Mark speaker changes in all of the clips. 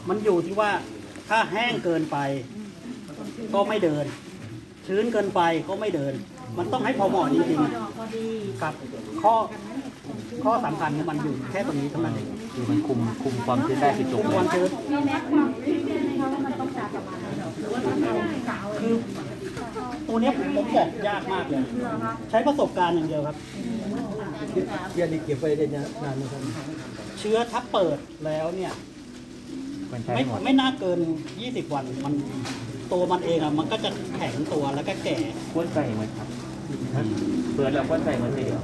Speaker 1: มันอยู่ที่ว่าถ้าแห้งเกินไปก็ไม่เดิน ชื้นเกินไปก็ไม่เดิน มันต้องให้พอเหมาะจริงๆครับข้อสำคัญของมันอยู่แค่ตรงนี้เท่านั้นเอง
Speaker 2: คือมันคุมความชื้นได้ผิดจุด
Speaker 1: คุมความชื้นคือตัวเนี้ยผมบอกยากมากเลย ใช้ประสบการณ์อย่างเดียวครับ
Speaker 3: เย็นเก็บไว้ได้นานนะครับ
Speaker 1: เชื้อถ้าเปิดแล้วเนี่ย
Speaker 2: มันใช้
Speaker 1: ไม่
Speaker 2: หมด
Speaker 1: ไม่น่าเกิน 20 วันมันตัวมันเองอะมันก็จะแข็งตัวแล้วก็แก่
Speaker 2: ควนใส่เหมือนครับเปิดแล้วควนใส่เหมือนเดียว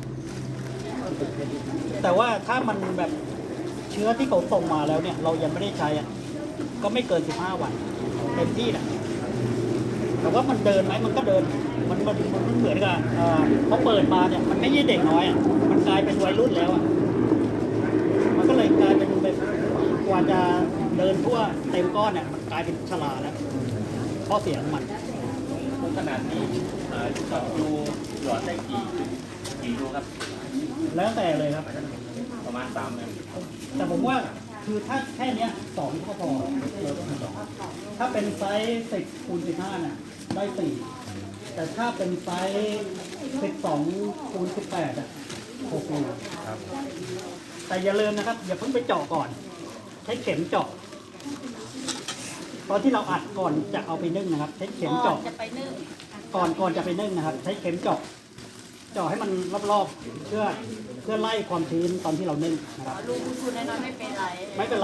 Speaker 1: แต่ว่าถ้ามันแบบเชื้อที่เขาส่งมาแล้วเนี่ย เรายังไม่ได้ใช้อะก็ไม่เกิน 15 วันเต็มที่นะแต่ว่ามันเดินไหมมันก็เดินมันเหมือนกับเขาเปิดมาเนี่ยมันไม่ใช่เด็กน้อยอะมันกลายเป็นวัยรุ่นแล้วอะมันก็เลยกลายเป็นแบบกว่าจะเดินทั่วเต็มก้อนเนี่ยมันกลายเป็นชราแล้วข้อเสียของมัน
Speaker 2: ขนาดนี้ช็อตดูหลอดได้กี่รูครับ
Speaker 1: แล้วแต่เลยครับ
Speaker 2: ประมาณ3เลย
Speaker 1: แต่ผมว่าคือถ้าแค่เนี้ย2ก็พอถ้าเป็นไซส์10 คูณ 15น่ะได้ 4 แต่ถ้าเป็นไซส์12 คูณ 18อ่ะ6รู
Speaker 2: ครับ
Speaker 1: แต่อย่าลืมนะครับ อย่าเพิ่งไปเจาะก่อน ใช้เข็มเจาะ ตอนที่เราอัดก่อนจะเอาไปนึ่งนะครับ ใช้เข็มเจาะ
Speaker 4: จะไปนึ่ง
Speaker 1: ก่อนจะไปนึ่งนะครับ ใช้เข็มเจาะ เจาะให้มันรอบๆเพื่อไล่ความชื้นตอนที่เรานึ่งนะครับ
Speaker 4: ลูกทุนน้อยๆไม่เป็นไร
Speaker 1: ไม่เป็นไร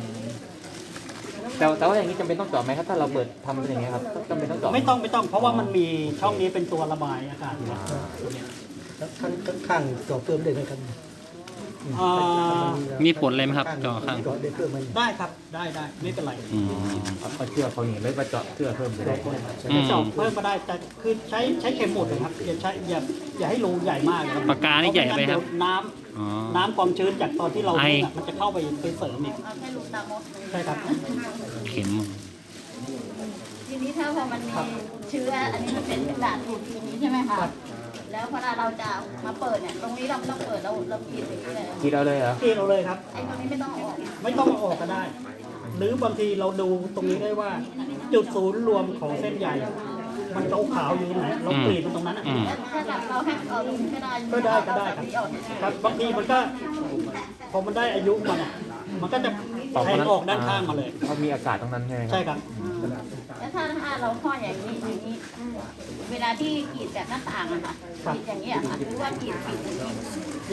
Speaker 2: แต่ว่าอย่างนี้จำเป็นต้องเจาะไหมครับถ้าเราเปิดทำเป็นอย่างเงี้ยครับจำเป็นต้องเจาะ
Speaker 1: ไม่ต้องเพราะว่ามันมีช่องนี้เป็นตัวระบายอากาศอยู่แล้ว
Speaker 3: แล้วข้างๆเจาะเพิ่มได้ไหมครับ
Speaker 1: อ่า
Speaker 5: มีผลอะไรไหมครับเจาะข้าง
Speaker 3: เจาะได้เพิ่มมัน
Speaker 1: ได้ครับได้ไม่เป็นไร
Speaker 2: เอาเชือกเขาอย่างนี้เลยว่าเจาะเชือกเพิ่มไปได้
Speaker 1: จะเจาะเพิ่มก็ได้แต่คือใช้เข็มหมดเลยครับอย่าให้รูใหญ่มากนะครับ
Speaker 5: ปากกานี่ใหญ่ไปครับ
Speaker 1: เพาะม่งั้นเดี๋ยว
Speaker 5: อ๋อ
Speaker 1: น้ำความชื้นจากตอนที่เรา
Speaker 5: ไอ
Speaker 1: นึ่งอะมันจะเข้าไปเสริมอีก
Speaker 4: เอาแค่ลูกตามด
Speaker 1: ใช่ครับ
Speaker 5: เข็ม
Speaker 4: ทีนี้ถ้าพอมันมีเชื้ออันนี้มันเป็นกระดาษถูกอย่างนี้ใช่ไหมคะ แล้วพอเราจะมาเปิดเนี่ย ตรงนี้เราไม่ต้องเปิดเรากรีดอย่างนี้เลย
Speaker 2: กินเอาเลยเหรอ
Speaker 1: ที่เราเลยครับ
Speaker 4: ไอ้ตรงนี้ไม่ต้องเอาออก
Speaker 1: ไม่ต้องเอาออกก็ได้ หรือบางทีเราดูตรงนี้ได้ว่า จุดศูนย์รวมของเส้นใยมันขาวๆอยู่ตรงไหนเรากรีดมันตรงนั้นอะ
Speaker 4: แล้วถ้าเราให้เอาตรงนี้ก็ได้
Speaker 1: ก็ได้ครับครับบางทีมันก็พอมันได้อายุมันอะมันก็จะแทงออกด้านข้างมาเลย
Speaker 2: เขามีอากาศตรงนั้นใช่ไหมครับ
Speaker 1: ใช่ครับ
Speaker 4: แล้วถ้าเราห่ออย่างนี้เวลาที่กรีดแบบหน้าต่างอะค่ะกรีดอย่างนี้อะค่ะหรือว่ากรีดปิดอย่างนี้